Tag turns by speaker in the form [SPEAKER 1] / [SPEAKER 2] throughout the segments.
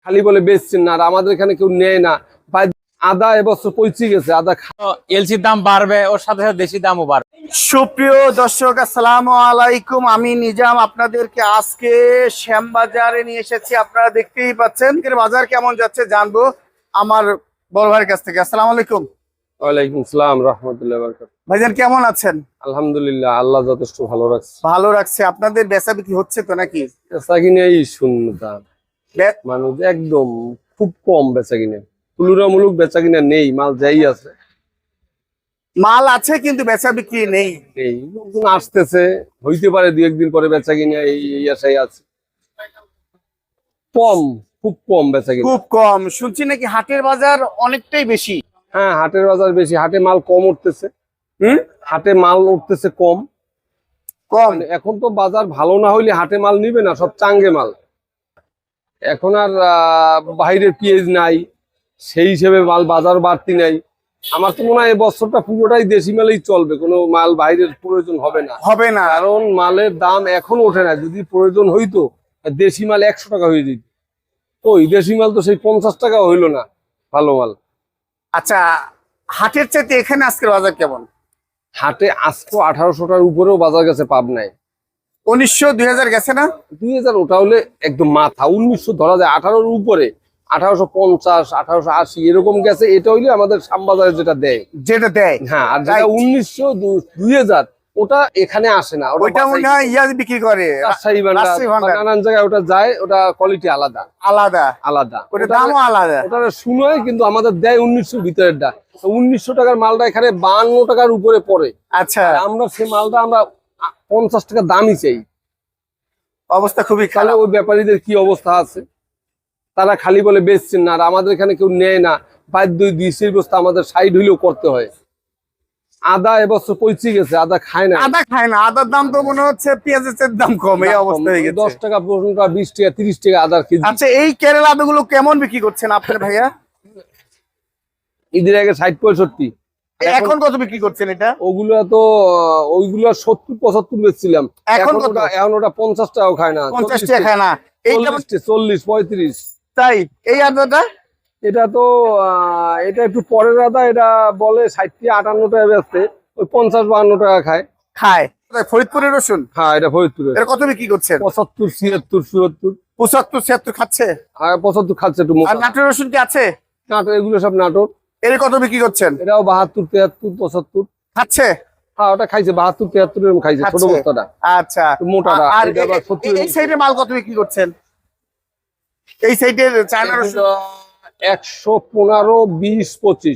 [SPEAKER 1] খালি বলে বেচছেন না, আর আমাদের এখানে কেউ নেয় না। আদা এবছর পৌঁছে গেছে, আদা
[SPEAKER 2] এলসির দাম বাড়বে, ওর সাথে সাথে দেশি দামও বাড়বে।
[SPEAKER 3] সুপ্রিয় দর্শক, আসসালামু আলাইকুম। আমি নিজাম আপনাদেরকে আজকে শ্যামবাজারে নিয়ে এসেছি। আপনারা দেখতেই পাচ্ছেন বাজার কেমন যাচ্ছে জানবো আমার বড় ভাইয়ের কাছ থেকে। আসসালামু আলাইকুম।
[SPEAKER 1] ওয়ালাইকুম আসসালাম রাহমাতুল্লাহি ওয়া বারাকাতুহু।
[SPEAKER 3] ভাইজান কেমন আছেন?
[SPEAKER 1] আলহামদুলিল্লাহ, আল্লাহ যথেষ্ট ভালো রাখছে।
[SPEAKER 3] ভালো রাখছে। আপনাদের বেচা বিক্রি হচ্ছে তো নাকি?
[SPEAKER 1] বেচা কিনে এই শূন্যতা, মানুষ একদম খুব কম বেচা কিনে, তুলনামূলক বেচা কিনা নেই। মাল যাই আছে,
[SPEAKER 3] মাল আছে কিন্তু বেচা বিক্রি নেই।
[SPEAKER 1] এই লোকজন আসতেছে, হইতে পারে দুই একদিন পরে বেচা কিনা এই আশাই আছে। কম, খুব কম বেচা কিনা,
[SPEAKER 3] খুব কম। শুনছি নাকি হাটের বাজার অনেকটাই বেশি।
[SPEAKER 1] হ্যাঁ, হাটের বাজার বেশি, হাটে মাল কম উঠতেছে। হাটে মাল উঠতেছে কম। এখন তো বাজার ভালো না হইলে হাটে মাল নিবে না, সব চাঙ্গে মাল। এখন আর বাইরের পেঁয়াজ নাই, সেই হিসেবে মাল বাজার বাড়তি নাই। আমার তো মনে হয় এই বছরটা পুরোটাই দেশি মালেই চলবে, কোনো মাল বাইরের প্রয়োজন হবে না। কারণ মালের দাম এখন ওঠে না। যদি প্রয়োজন হইতো দেশি মাল 100 টাকা হয়ে যেত, ওই দেশি মাল তো সেই 50 টাকা হইলো না ভালো মাল।
[SPEAKER 3] আচ্ছা, হাটের চাইতে এখানে আজকের বাজার কেমন?
[SPEAKER 1] হাটে আজকে 1800 টাকার উপরেও বাজার গেছে পাবনায়।
[SPEAKER 3] 1900 2000 গেছে না?
[SPEAKER 1] 2000 ওটা হলে একদম মাথা। 1900 ধরা যায়, 18-র উপরে 1850 1880 এরকম গেছে। এটা হইলে আমাদের শ্যামবাজারে যেটা দেয়। হ্যাঁ, আর যেটা 1900 2000 ওটা এখানে আসে না।
[SPEAKER 3] ওটা মনে হয় ইয়াজ বিক্রি করে
[SPEAKER 1] রাজশাহী ভান্ডার, নানান জায়গায় ওটা যায়। ওটা কোয়ালিটি আলাদা আলাদা,
[SPEAKER 3] ওটা দামও আলাদা।
[SPEAKER 1] ওটা শুনোয় কিন্তু আমাদের দেয় 1900 ভিতরেরটা। 1900 টাকার মালটা এখানে 52 টাকার উপরে পড়ে।
[SPEAKER 3] আচ্ছা,
[SPEAKER 1] আমরা সেই মালটা আমরা 50 টাকা দামই চাই।
[SPEAKER 3] অবস্থা খুবই
[SPEAKER 1] তাহলে
[SPEAKER 3] খারাপ।
[SPEAKER 1] ওই ব্যাপারীদের কি অবস্থা আছে? তারা খালি বলে বেচছেন না, আর আমাদের এখানে কেউ নেয় না। বাধ্য 200 বস্তা আমাদের সাইড হইলেও করতে হয়। আদা এবছর পৌঁছে গেছে, আদা খায় না।
[SPEAKER 3] আদার দাম তো মনে হচ্ছে পেঁয়াজের দাম কম। এই অবস্থা হয়ে গেছে।
[SPEAKER 1] 10 টাকা 15 টাকা 20 টাকা 30 টাকা আদার কেজি।
[SPEAKER 3] আচ্ছা, এই কেরালা আদাগুলো কেমন বিক্রি করছেন আপনার ভাইয়া?
[SPEAKER 1] ঈদের আগে 60-65।
[SPEAKER 3] এখন কত বিক্রি করছেন এটা?
[SPEAKER 1] ওইগুলো 70-75 বেচছিলাম। এখন ওটা 50 টাকাও খায় না।
[SPEAKER 3] 50 টাকা খায় না। এইটা
[SPEAKER 1] 40-45।
[SPEAKER 3] তাই এই আদাটা?
[SPEAKER 1] এটা তো এটা একটু পরের আদা। এটা বলে 60-58 টাকা বেচতে, ওই 50-52 টাকা খায়।
[SPEAKER 3] ফরিদপুরের রসুন?
[SPEAKER 1] হ্যাঁ, এটা ফরিদপুরের।
[SPEAKER 3] এটা কত বিক্রি করছেন?
[SPEAKER 1] 75-76-77।
[SPEAKER 3] 75-76 খাচ্ছে?
[SPEAKER 1] আর 75 খাচ্ছে একটু।
[SPEAKER 3] আর নাটোর রসুন কি আছে?
[SPEAKER 1] নাটোর, এগুলো সব নাটোর।
[SPEAKER 3] এর কত বিক্রি করছেন?
[SPEAKER 1] এটাও 72-73-75
[SPEAKER 3] খাচ্ছে।
[SPEAKER 1] হ্যাঁ, ওটা খাইছে 72-73 এরকম খাইছে, ছোট বস্তাটা।
[SPEAKER 3] আচ্ছা,
[SPEAKER 1] মোটাটা।
[SPEAKER 3] আর এই সাইডে মাল কত বিক্রি করছেন? এই সাইডের চায়না রসুন
[SPEAKER 1] 115-20-25।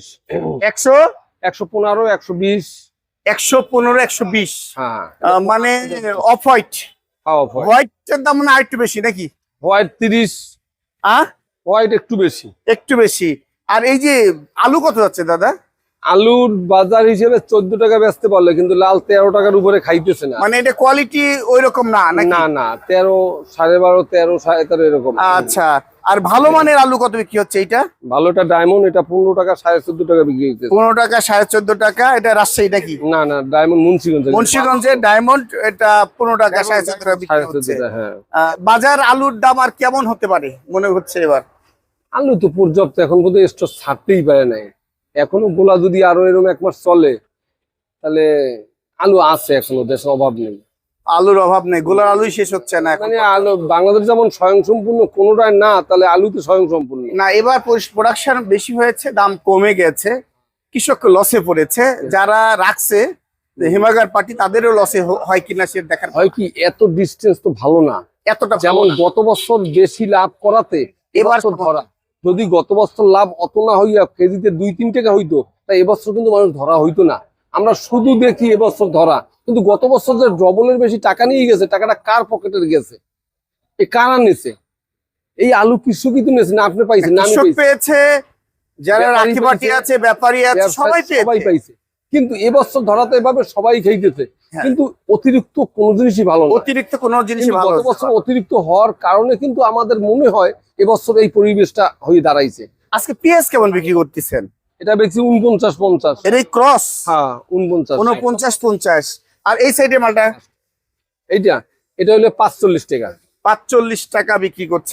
[SPEAKER 1] 115-120।
[SPEAKER 3] 115-120।
[SPEAKER 1] হ্যাঁ,
[SPEAKER 3] মানে অফ হোয়াইট। হোয়াইটের দাম মানে আরেকটু বেশি নাকি?
[SPEAKER 1] হোয়াইট 30। হোয়াইট একটু বেশি। আর এই যে আলু কত যাচ্ছে দাদা? আলুর বাজার হিসেবে 14 টাকা বেচতে পারলে, কিন্তু লাল 13 টাকার উপরে খাইতেছে না।
[SPEAKER 3] মানে এটা কোয়ালিটি ওই রকম না?
[SPEAKER 1] না 13, 12.5, 13, 13.5 এরকম।
[SPEAKER 3] আচ্ছা, আর ভালো মানের আলু কত বিক্রি হচ্ছে? এটা
[SPEAKER 1] ভালোটা ডায়মন্ড, এটা 15 টাকা 14.5 টাকা বিক্রি হচ্ছে।
[SPEAKER 3] 15 টাকা 14.5 টাকা। এটা রাজশাহী নাকি?
[SPEAKER 1] না ডায়মন্ড
[SPEAKER 3] মুন্সিগঞ্জের ডায়মন্ড। এটা 15 টাকা 14.5 টাকা বিক্রি হচ্ছে।
[SPEAKER 1] হ্যাঁ,
[SPEAKER 3] বাজার আলুর দাম আর কেমন হতে পারে মনে হচ্ছে এবার?
[SPEAKER 1] আলু তো পর্যাপ্ত, এখন পর্যন্ত স্টোর ছাড়তেই পারে নাই। এখনো গোলা যদি আরো এরকম 1 মাস চলে তাহলে আলু আছে, এখনো দেশের অভাব নেই।
[SPEAKER 3] আলুর অভাব নেই, গোলার আলুই শেষ হচ্ছে না।
[SPEAKER 1] মানে আলু বাংলাদেশ যেমন স্বয়ংসম্পূর্ণ, কোনোটাই না, তাহলে আলুতে স্বয়ংসম্পূর্ণ
[SPEAKER 3] না। এবার প্রোডাকশন বেশি হয়েছে, দাম কমে গেছে, কৃষক লসে পড়েছে। যারা রাখছে হিমাগার পার্টি, তাদেরও লসে হয় কিনা সে দেখার।
[SPEAKER 1] হয় কি, এত ডিস্টেন্স তো ভালো না।
[SPEAKER 3] এতটা
[SPEAKER 1] যেমন গত বছর বেশি লাভ করাতে এবার ধরা, যদি গত বছর লাভ অত না হইয়া কেজিতে 2-3 টাকা হইতো, তাই এবছর কিন্তু মানুষ ধরা হইতো না। আমরা শুধু দেখি এবছর ধরা, কিন্তু গত বছর যে ডবলের বেশি টাকা নিয়ে গেছে, টাকাটা কার পকেটে গেছে? এই কারা নিছে? এই আলু কৃষকই তো নিয়েছে না? আপনি পাইছেন না? আমি
[SPEAKER 3] পেয়েছে, যারা রাখি পার্টি আছে, ব্যাপারী আছে, সবাই
[SPEAKER 1] পাইছে। কিন্তু এবছর ধরাতে এভাবে সবাই খাইতেছে, কিন্তু অতিরিক্ত কোনো জিনিসই ভালো না। গত বছর অতিরিক্ত হওয়ার কারণে কিন্তু আমাদের মনে হয় এবছর এই পরিবেশটা হয়ে দাঁড়াইছে।
[SPEAKER 3] আজকে পেঁয়াজ কেমন বিক্রি করতেছেন?
[SPEAKER 1] এটা বেশি 49-50।
[SPEAKER 3] এর ক্রস?
[SPEAKER 1] হ্যাঁ,
[SPEAKER 3] 49-50। আর এই সাইডের মালটা?
[SPEAKER 1] এটা হলো 45 টাকা।
[SPEAKER 3] 45 টাকা বিক্রি করছেন।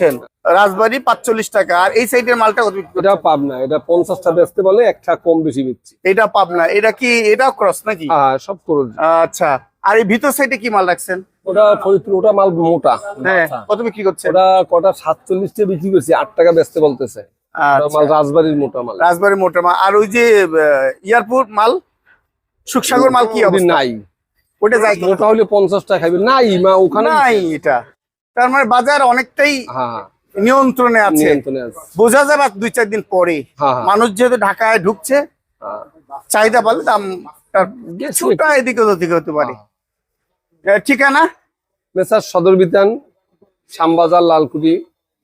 [SPEAKER 3] রাজবাড়ি 45 টাকা। আর এই সাইডের মালটা কত বিক্রি করছেন?
[SPEAKER 1] এটা পাবনা, এটা 50টা বেচতে বলে একটা কম বেশি বিচ্ছি।
[SPEAKER 3] এটা পাবনা, এটা কি এটাও ক্রস নাকি?
[SPEAKER 1] হ্যাঁ সব করে
[SPEAKER 3] আচ্ছা, আর এই ভিতর সাইডে কি মাল রাখছেন?
[SPEAKER 1] ওটা ফরিদপুর, ওটা মাল মোটা।
[SPEAKER 3] হ্যাঁ, কত বিক্রি করছেন?
[SPEAKER 1] ওটা কটা 47টা বিক্রি করছি, 8 টাকা বেচতে বলতেছে। ওটা মাল রাজবাড়ির মোটা মাল।
[SPEAKER 3] রাজবাড়ি মোটা মাল। আর ওই যে এয়ারপোর্ট মাল, সুখসাগর মাল কি অবস্থা?
[SPEAKER 1] নাই,
[SPEAKER 3] ওটা যাই
[SPEAKER 1] মোটা হলে 50 টাকা খাইবে, নাই মা ওখানে
[SPEAKER 3] নাই। এটা তার মানে বাজার অনেকটাই
[SPEAKER 1] হ্যাঁ
[SPEAKER 3] নিয়ন্ত্রণে আছে।
[SPEAKER 1] নিয়ন্ত্রণে আছে।
[SPEAKER 3] বোঝা যাবে 2-4 দিন পরে।
[SPEAKER 1] হ্যাঁ, হ্যাঁ।
[SPEAKER 3] মানুষ যেহেতু ঢাকায় ঢুকছে,
[SPEAKER 1] হ্যাঁ।
[SPEAKER 3] চাহিদা পালে দাম কিছুটা এদিকে ওদিকে হতে পারে। ঠিকানা?
[SPEAKER 1] মেসার সদর বিতান, শ্যামবাজার, লালকুটি,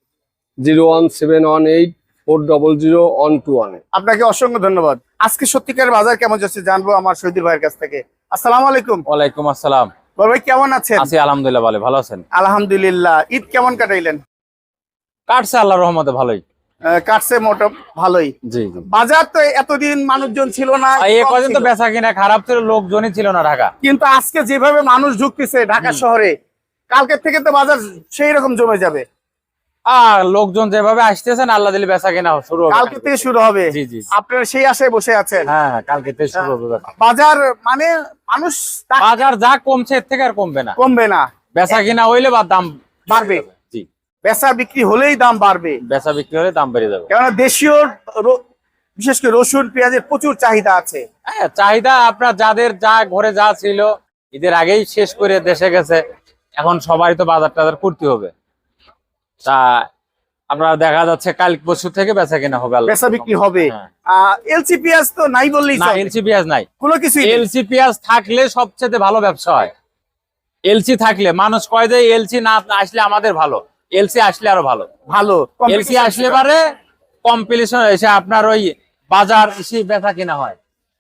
[SPEAKER 1] 01718400121।
[SPEAKER 3] আপনাকে অসংখ্য ধন্যবাদ। আজকে সত্যিকার বাজার কেমন যাচ্ছে জানবো আমার শহীদুল ভাইয়ের কাছ থেকে। আসসালামু আলাইকুম।
[SPEAKER 2] ওয়ালাইকুম আসসালাম।
[SPEAKER 3] বড় ভাই কেমন আছেন?
[SPEAKER 2] আছি আলহামদুলিল্লাহ, ভালো আছেন?
[SPEAKER 3] আলহামদুলিল্লাহ। ঈদ কেমন কাটাইলেন?
[SPEAKER 2] কাটছে আল্লাহর রহমতে ভালোই।
[SPEAKER 3] কাটছে মোটা ভালোই।
[SPEAKER 2] জি জি।
[SPEAKER 3] বাজার তো এতদিন মানুষজন ছিল না,
[SPEAKER 2] এই
[SPEAKER 3] কম
[SPEAKER 2] কদিন তো
[SPEAKER 3] ছিল।
[SPEAKER 2] বেচা কিনা খারাপ ছিল, লোকজনই ছিল না ঢাকা।
[SPEAKER 3] কিন্তু আজকে যেভাবে মানুষ ঢুকতেছে ঢাকা শহরে, কালকের থেকে তো বাজার সেই রকম জমে যাবে।
[SPEAKER 2] আর লোকজন যেভাবে আসতেছেন, আল্লাহ দিলে বেচা কিনা শুরু হবে।
[SPEAKER 3] কালকে থেকে শুরু হবে।
[SPEAKER 2] জি জি।
[SPEAKER 3] আপনারা সেই আশায় বসে আছেন।
[SPEAKER 2] হ্যাঁ হ্যাঁ, কালকে থেকে শুরু হবে বেচা।
[SPEAKER 3] বাজার মানে মানুষ
[SPEAKER 2] বাজার যা কমছে এর থেকে আর কমবে না।
[SPEAKER 3] কমবে না,
[SPEAKER 2] বেচা কিনা হইলে বা দাম
[SPEAKER 3] বাড়বে।
[SPEAKER 2] জি,
[SPEAKER 3] বেচা বিক্রি হলেই দাম বাড়বে।
[SPEAKER 2] বেচা বিক্রি হলে দাম বেড়ে যাবে।
[SPEAKER 3] কেননা দেশীয় বিশেষ করে রসুন পেঁয়াজের প্রচুর চাহিদা আছে।
[SPEAKER 2] হ্যাঁ, চাহিদা আপনার যাদের যা ঘরে যা ছিল ঈদের আগেই শেষ করে দেশে গেছে, এখন সবাই তো বাজার টাজার করতে হবে। তা আপনার দেখা যাচ্ছে কাল পরশু থেকে বেচা কিনা হবে।
[SPEAKER 3] বেচা বিক্রি হবে।
[SPEAKER 2] হ্যাঁ।
[SPEAKER 3] এলসি পেঁয়াজ তো নাই বললেই
[SPEAKER 2] না,
[SPEAKER 3] চলে।
[SPEAKER 2] এলসি পেঁয়াজ নাই।
[SPEAKER 3] কোনো কিছুই নেই।
[SPEAKER 2] এলসি পেঁয়াজ থাকলে সবচেয়ে ভালো ব্যবসা হয়। এলসি থাকলে মানুষ কয় যে এলসি না আসলে আমাদের ভালো, এলসি আসলে আরো ভালো।
[SPEAKER 3] ভালো
[SPEAKER 2] এলসি আসলে পারে কম্পিটিশন এসে আপনার ওই বাজার এসে বেচা কিনা হয়,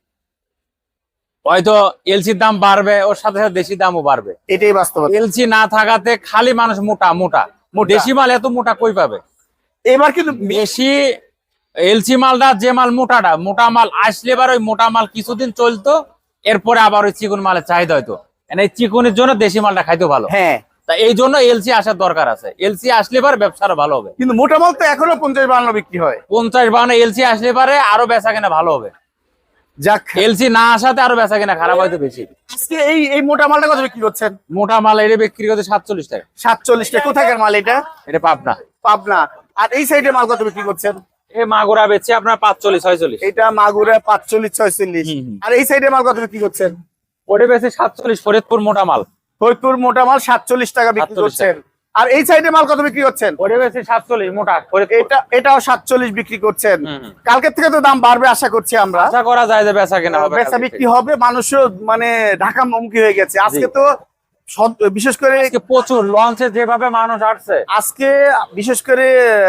[SPEAKER 2] হয়তো এলসির দাম বাড়বে, ওর সাথে সাথে দেশি দামও বাড়বে।
[SPEAKER 3] এটাই বাস্তবতা।
[SPEAKER 2] এলসি না থাকাতে খালি মানুষ মোটা মোটা। দেশি মাল এত মোটা কই পাবে?
[SPEAKER 3] এবার কিন্তু
[SPEAKER 2] বেশি এলসি মালটা যে মাল মোটাটা, মোটা মাল আসলে এবার ওই মোটা মাল কিছুদিন চলতো, এরপরে আবার ওই চিকন মালের চাহিদা হয়তো। এই চিকনের জন্য দেশি মালটা খাইতে ভালো।
[SPEAKER 3] হ্যাঁ,
[SPEAKER 2] তা এই জন্য এলসি আসার দরকার আছে। এলসি আসলে এবার ব্যবসাটা ভালো হবে।
[SPEAKER 3] কিন্তু মোটা মাল তো এখনো 50-52 বিক্রি হয়।
[SPEAKER 2] 50-52 এলসি আসলে পারে আরো বেচা কিনা ভালো হবে।
[SPEAKER 3] যাক,
[SPEAKER 2] এলসি না আসাতে আরো বেচা কিনা খারাপ হয়তো বেশি।
[SPEAKER 3] আজকে এই মোটা মালটা কত বিক্রি করছেন?
[SPEAKER 2] মোটা মাল এটা বিক্রি করতে 47 টাকা।
[SPEAKER 3] 47 টাকা। কোথাকার মাল এটা?
[SPEAKER 2] এটা পাবনা।
[SPEAKER 3] পাবনা। আর এই সাইডে মাল কত বিক্রি করছেন?
[SPEAKER 2] এই মাগুরা বেচছে আপনার 45-46।
[SPEAKER 3] এটা মাগুরা 45-46। আর এই সাইডে মাল কত বিক্রি করছেন?
[SPEAKER 2] ওটা বেচে 47। ফরিদপুর মোটা মাল,
[SPEAKER 3] ফরিদপুর মোটা মাল 47 টাকা বিক্রি
[SPEAKER 2] 47
[SPEAKER 3] করছেন। আর এই সাইডে মাল কত বিক্রি করছেন?
[SPEAKER 2] ওটা বেচে 47 মোটা ফরিদপুর।
[SPEAKER 3] এটাও 47 বিক্রি করছেন।
[SPEAKER 2] হুম, হুম।
[SPEAKER 3] কালকের থেকে তো দাম বাড়বে আশা করছি আমরা।
[SPEAKER 2] আশা করা যায় যে বেচা কিনা হবে।
[SPEAKER 3] বেচা বিক্রি হবে, মানুষও মানে ঢাকা মুখী হয়ে গেছে আজকে। তো বিশেষ করে
[SPEAKER 2] আজকে প্রচুর লঞ্চে যেভাবে মানুষ আসছে,
[SPEAKER 3] আজকে বিশেষ করে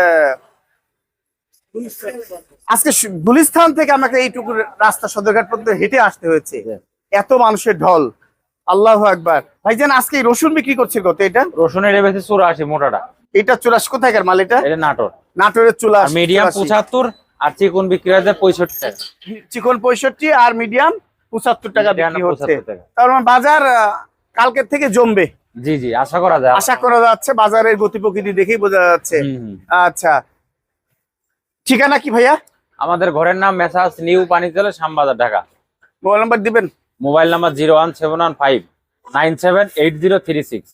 [SPEAKER 3] আজকে গুলিস্তান থেকে আমাকে এইটুকু রাস্তা সদরঘাট পর্যন্ত হেঁটে আসতে হয়েছে, এত মানুষের ঢল। আল্লাহু আকবার। ভাইজান আজকে এই রসুন বিক্রি করছে কত? এটা
[SPEAKER 2] রসুনের বেচে 84 মোটাটা।
[SPEAKER 3] এটা 84 কোথাকার মাল? এটা
[SPEAKER 2] এটা নাটোর।
[SPEAKER 3] নাটোরের চুলা।
[SPEAKER 2] মিডিয়াম 75 আর চিকন বিক্রি হয় 65 টাকা।
[SPEAKER 3] চিকন 65 আর মিডিয়াম 75 টাকা বিক্রি হচ্ছে।
[SPEAKER 2] 75 টাকা।
[SPEAKER 3] তার মানে বাজার কালকের থেকে জমবে।
[SPEAKER 2] জি জি, আশা করা যায়।
[SPEAKER 3] আশা করা যাচ্ছে, বাজারের গতি প্রকৃতি দেখেই বোঝা যাচ্ছে। আচ্ছা, ঠিকানা কি ভাইয়া?
[SPEAKER 2] আমাদের ঘরের নাম messrs new Panitala, Shyambazar, Dhaka.
[SPEAKER 3] Mobile number দিবেন?
[SPEAKER 2] Mobile number 01715978036।